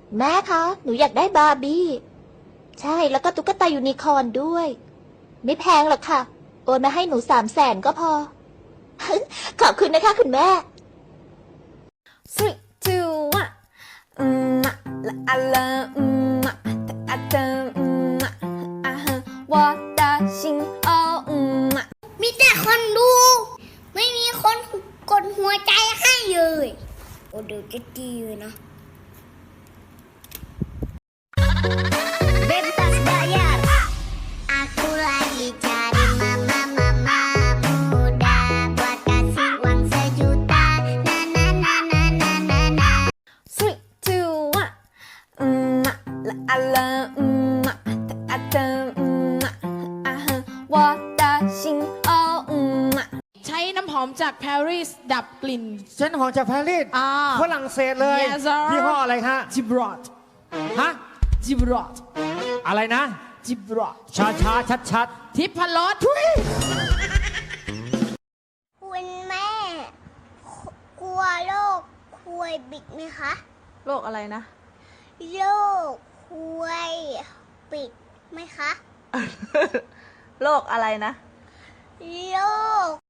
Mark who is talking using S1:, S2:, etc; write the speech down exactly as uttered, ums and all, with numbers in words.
S1: แม่คะหนูอยากได้บาร์บี้ใช่แล้วก็ตุ๊กตายูนิคอร์นด้วยไม่แพงหรอกค่ะโอนมาให้หนูสามแสนก็พอ ขอบคุณนะคะคุณแม่
S2: three two one อืมอะละอะละอืมอะแต่อะเจออืมอะอ่ะฮะ我的心哦อืมอะ
S3: มีแต่คนดู ไม่มีคนกดหัวใจให้เลยโอ้เดี๋ยวจะดีเลยนะ Bebas bayar. Aku lagi cari mama mama muda buat kasih uang sejuta. Na na na na na na na.
S2: three two one อืมอะละอะละอืมอะแต่อะเจออืมอะอ่ะฮะ我的心哦อืมอะ
S4: ใช้น้ำหอมจากปารีสดับกลิ่น
S5: เส้นหอมจากปารีส
S4: อ่า
S5: ฝรั่งเศสเลย
S4: Yes, sir
S5: ยี่ห้ออะไรฮะ
S4: จิบรอด
S5: ฮะ
S4: จิบรอด
S5: อะไรนะ
S4: จิบรอด
S5: ช้าช้าชัดชัด
S4: ทิพรสทุย
S3: คุณแม่ กลัวโรคควยบิดไหมคะ
S6: โรคอะไรนะ
S3: โรคควยปิดไหมคะ
S6: โรคอะไรนะ
S3: โรค